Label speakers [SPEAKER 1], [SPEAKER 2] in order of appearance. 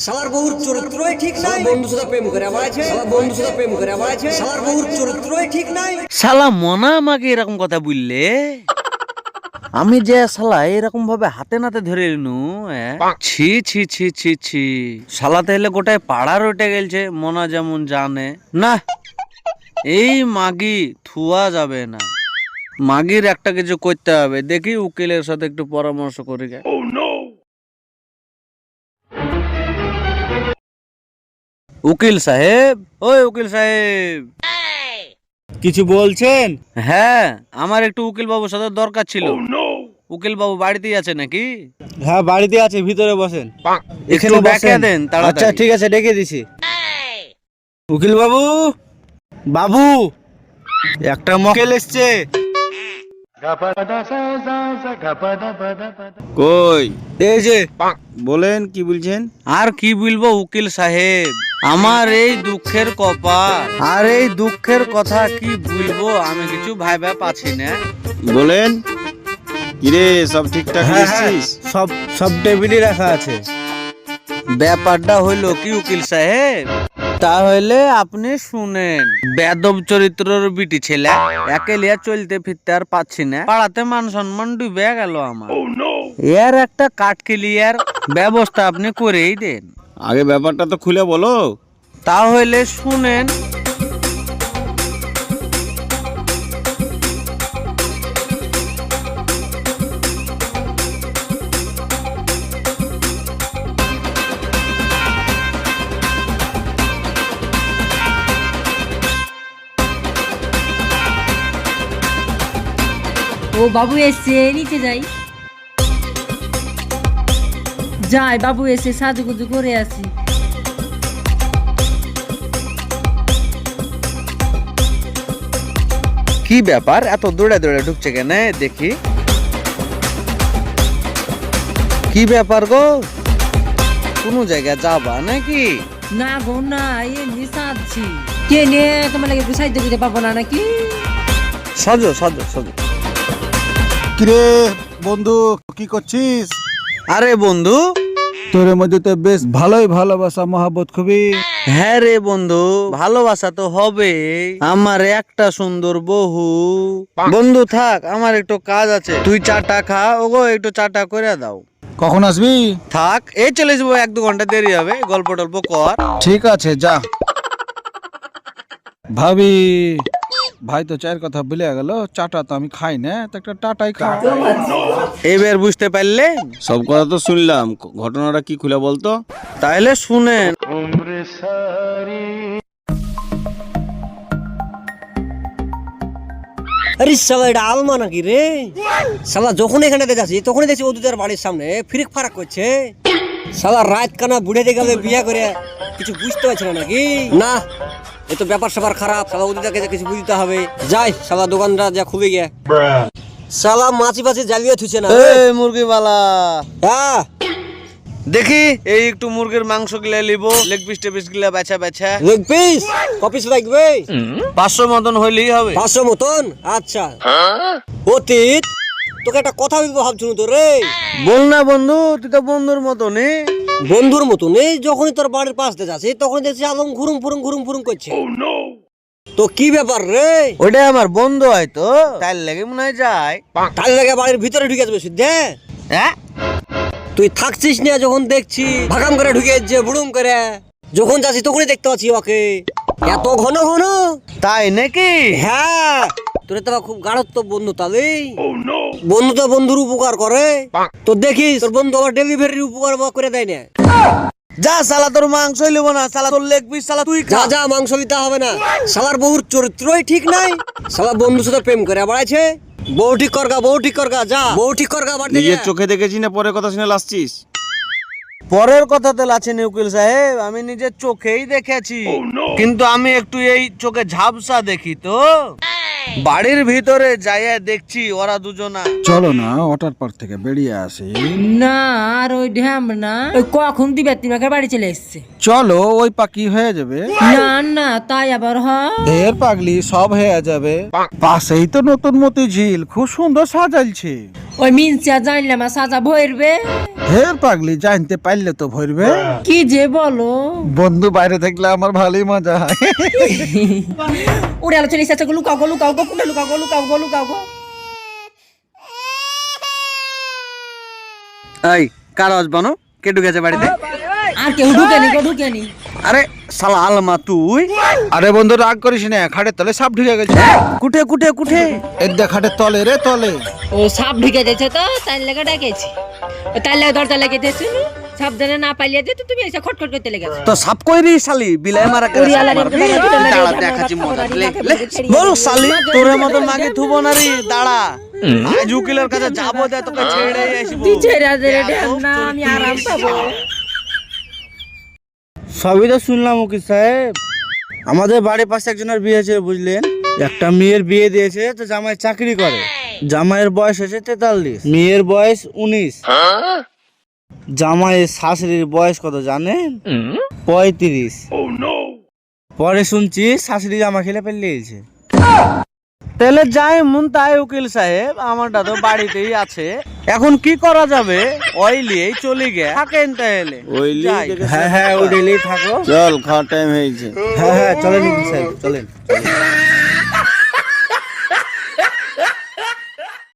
[SPEAKER 1] শালার বহুর চরিত্রই ঠিক নাই, বন্ধু সাথে প্রেম করে বেড়াচ্ছে, শালা বন্ধু সাথে প্রেম করে বেড়াচ্ছে, শালার বহুর চরিত্রই ঠিক নাই।
[SPEAKER 2] শালা মনা আমাকে এরকম কথা বললে, আমি যে শালা এরকম ভাবে হাতে নাতে ধরে এলনু, ছি ছি ছি ছি ছি। শালা তাহলে গোটায় পাড়ার উঠে গেলছে, মনা যেমন জানে না। এই মাগি থুয়া যাবে না, মাগির একটা কিছু করতে হবে। দেখি উকিলের সাথে একটু পরামর্শ করি। উকিল সাহেব, ওই উকিল সাহেব,
[SPEAKER 3] কিছু বলছেন?
[SPEAKER 2] হ্যাঁ আমার একটু উকিল বাবুর সাথে দরকার ছিল। উকিল বাবু বাড়িতেই আছে নাকি?
[SPEAKER 3] হ্যাঁ বাড়িতে আছে, ভিতরে বসেন।
[SPEAKER 2] একটু ডেকে দেন তাড়াতাড়ি।
[SPEAKER 3] আচ্ছা ঠিক আছে, ডেকে দিছি। উকিল বাবু, বাবু একটা মক্কেল এসছে।
[SPEAKER 4] কই?
[SPEAKER 3] এই যে
[SPEAKER 4] বলেন কি বলছেন?
[SPEAKER 2] আর কি বলবো উকিল সাহেব, আমার এই দুঃখের কপাল, আর এই দুঃখের কথা কি বলবো আমি কিছু ভাইবা পাচ্ছি না।
[SPEAKER 4] বলেন কিরে, সব ঠিকঠাক
[SPEAKER 3] হ্যাঁ হ্যাঁ,
[SPEAKER 4] এসেছিস?
[SPEAKER 3] সব সব টেবিলই রাখা আছে।
[SPEAKER 2] ব্যাপারটা হইলো কি উকিল সাহেব, তাহলে আপনি শুনেন। বেদব চরিত্রের বিটি ছেলে, একে লিয়া চলতে ফিরতে আর পাচ্ছি না, পাড়াতে মান সম্মান ডুবে গেল আমার। এর একটা কাট ক্লিয়ার ব্যবস্থা আপনি করেই দেন।
[SPEAKER 4] আগে ব্যাপারটা তো খুলে বলো।
[SPEAKER 2] তাহলে শুনেন।
[SPEAKER 5] ও বাবু এসে নিচে যাই, যাই বাবু এসে সাজুগুজু করে আসি।
[SPEAKER 2] কি ব্যাপার, এত দৌড়ে দৌড়ে ঢুকছে কেন? দেখি কি ব্যাপার গো, কোন জায়গায় যাবা নাকি?
[SPEAKER 5] না গো না, এমনি সাজছি। কে নে তোমার লাগে একটু সাইতে দিতে পারবো না নাকি?
[SPEAKER 2] সাজো সাজো সাজো।
[SPEAKER 6] কিরে বন্ধু, কি করছিস?
[SPEAKER 2] আরে বন্ধু,
[SPEAKER 6] তোর মধ্যে তো বেশ ভালোই ভালোবাসা মহাবত খুবই।
[SPEAKER 2] হ্যাঁ রে বন্ধু, ভালোবাসা তো হবে। আমার একটা সুন্দর বহু। বন্ধু থাক, আমার একটু কাজ আছে, তুই চাটা খা, ওগো একটু চাটা করে দাও।
[SPEAKER 6] কখন আসবি?
[SPEAKER 2] থাক, এই চলে যাবো, 1-2 ঘন্টা দেরি হবে, গল্প টল্প কর।
[SPEAKER 6] ঠিক আছে যা। ভাবি, ভাই তো চায়ের কথা ভুলে গেল, চাটা তো আমি খাই না, তো একটা টাটাই খা।
[SPEAKER 2] এবার বুঝতে পারলেন?
[SPEAKER 4] সব কথা তো শুনলাম, ঘটনাটা কি খুলে বলতো।
[SPEAKER 2] তাহলে শুনেন।
[SPEAKER 1] আরে শালা এটা আলমা নাকি রে? শালা যখন এখানে যাচ্ছি তখনই দেখছি ওদের বাড়ির সামনে ফিরিক ফারাক করছে। শালা রাত কানা বুড়ে দিয়ে গেলে বিয়ে করে কিছু বুঝতে পারছে না নাকি? না, এ তো ব্যাপার স্যাপার খারাপ। শালা ওদেরকে কিছু বুঝতে হবে। যাই শালা দোকানটা যা খুবই গিয়ে, শালা মাছি পাছি জ্বালিয়ে থুছে না।
[SPEAKER 2] এই মুরগিওয়ালা,
[SPEAKER 1] হ্যাঁ
[SPEAKER 2] দেখি এই একটু মুরগির মাংস গিলা লিব, লেগ পিস টেপিস গিলা বেছা বেছা।
[SPEAKER 1] লেগ পিস কপিস লাগবে?
[SPEAKER 2] 500 মতন হইলেই হবে।
[SPEAKER 1] 500 মতন? আচ্ছা। অতীত, তোকে একটা কথা বলবো ভাবছুন তো রে।
[SPEAKER 2] বল না বন্ধু, তুই তো বন্ধুর মতনই।
[SPEAKER 1] বন্ধুর মতন এই যখনই তোর বাড়ির পাশ দিয়ে যাচ্ছে তখনই দেখছি আলম ঘুরুম ফুরুম করছে। তো কি ব্যাপার রে?
[SPEAKER 2] ওটা আমার বন্ধু হয়তো, তাই লেগে মনে হয় যায়।
[SPEAKER 1] তার লাগে বাড়ির ভিতরে ঢুকে যাবে সিদ্ধে।
[SPEAKER 2] হ্যাঁ
[SPEAKER 1] তুই থাকছিস না, যখন দেখছি ভাগাম করে ঢুকে যাচ্ছে বুড়ুম করে। যখন যাচ্ছি তখনই দেখতে পাচ্ছি ওকে, এত ঘন ঘন।
[SPEAKER 2] তাই নাকি?
[SPEAKER 1] হ্যাঁ, তোর তো খুব গাঢ়ত্ব বন্ধু। তাহলে বন্ধু তো বন্ধুর উপকার করে। তো দেখিস তোর বন্ধু আবার ডেলিভারির উপকার করে দেয় না।
[SPEAKER 2] যা শালা, তোর মাংস লিব না, শালা তোর লেগ পিস শালা তুই
[SPEAKER 1] যা
[SPEAKER 2] খা।
[SPEAKER 1] যা, মাংস নিতে হবে না। শালার বহুর চরিত্রই ঠিক নাই, শালা বন্ধুর সাথে প্রেম করে বেড়াচ্ছে। বউ ঠিক করগা, বউ ঠিক করগা, যা বউ ঠিক করগা।
[SPEAKER 4] নিজের চোখে দেখেছি না পরে কথা শুনে লাসছিস?
[SPEAKER 2] পরের কথা তো আছে উকিল সাহেব, আমি নিজের চোখেই দেখেছি, কিন্তু আমি একটু এই চোখে ঝাপসা দেখি তো। বাড়ির ভিতরে যাইয়া দেখছি ওরা দুজনা।
[SPEAKER 6] চলো না ওয়াটার পার্ক থেকে বেরিয়ে আসি।
[SPEAKER 5] না আর ওই ঢ্যাম না, ওই কখন দিবে তিমাকে বাড়ি চলে এসছে।
[SPEAKER 6] চলো, ওই পাকি হয়ে যাবে।
[SPEAKER 5] না না তাই আবার হয়?
[SPEAKER 6] ঢের পাগলি, সব হয়ে যাবে। পাশেই তো নতুন মতি ঝিল, খুব সুন্দর সাজাইছে।
[SPEAKER 5] ওই মিনসা জানলে আমার সাজা ভরবে।
[SPEAKER 6] হের পাগলি, জানতে পারলে তো ভরবে।
[SPEAKER 5] কি যে বলো,
[SPEAKER 6] বন্ধু বাইরে থাকলে আমার ভালোই মজা হয়।
[SPEAKER 5] উড়ে আলো চলে এসেছে, লুকাও গো লুকাও গো, কোনটা লুকাও গো লুকাও গো লুকাও গো।
[SPEAKER 2] এই কার আওয়াজ বানো? কে ঢুকেছে বাড়িতে?
[SPEAKER 5] আর কেউ ঢুকেনি গো, ঢুকেনি।
[SPEAKER 2] আরে শালা আলমা তুই।
[SPEAKER 6] আরে বন্ধু রাগ করিস না, খাটের তলে সাপ ঢুকে গেছে।
[SPEAKER 2] কুঠে কুঠে কুঠে
[SPEAKER 6] এদ্দা খাটের তলে রে, তলে।
[SPEAKER 5] ও সাপ ঢুকে যাচ্ছে তো, তাই লেগে ডেকেছি। তাই লেগে দরজা লেগে দিয়েছি, সাপ জানে না পাইলে যেত, তুমি এসে খটখট করতে লেগেছো।
[SPEAKER 2] তো সাপ কইরি শালি বিলাই মারা করে
[SPEAKER 5] ওরে আল্লাহ রে,
[SPEAKER 2] মারবি।
[SPEAKER 5] ওরে আল্লাহ রে,
[SPEAKER 2] দাঁড়া দেখাচ্ছি মজা। লে, লে। বল শালি তোর মত মাগে থুবো না রে, দাঁড়া। আজ উকিলের কাছে যাবো, দে তোকে ছেড়ে আসবো।
[SPEAKER 5] তুই ছেড়ে দে রে, না আমি আরাম পাবো।
[SPEAKER 3] সবই তো শুনলাম উকিল সাহেব। আমাদের বাড়ির পাশে একজনের বিয়ে হয়েছে বুঝলেন। একটা মেয়ের বিয়ে দিয়েছে, তো জামাই চাকরি করে। জামাইয়ের বয়স হয়েছে 43, মেয়ের বয়স 19। জামাইয়ের শাশুড়ির বয়স কত জানেন? 35। পরে শুনছি শাশুড়ি জামা খেলে পেলিয়েছে।
[SPEAKER 2] তাহলে যাই মন তাই উকিল সাহেব, আমারটা তো বাড়িতেই আছে। এখন কি করা যাবে? ওই লিয়েই চলে গে থাকেন তাহলে।
[SPEAKER 4] ওই
[SPEAKER 2] যাই।
[SPEAKER 3] হ্যাঁ হ্যাঁ, ও ডেলি থাকো।
[SPEAKER 4] চল, খাওয়ার টাইম হয়েছে।
[SPEAKER 3] হ্যাঁ হ্যাঁ, চলেন উকিল সাহেব, চলেন।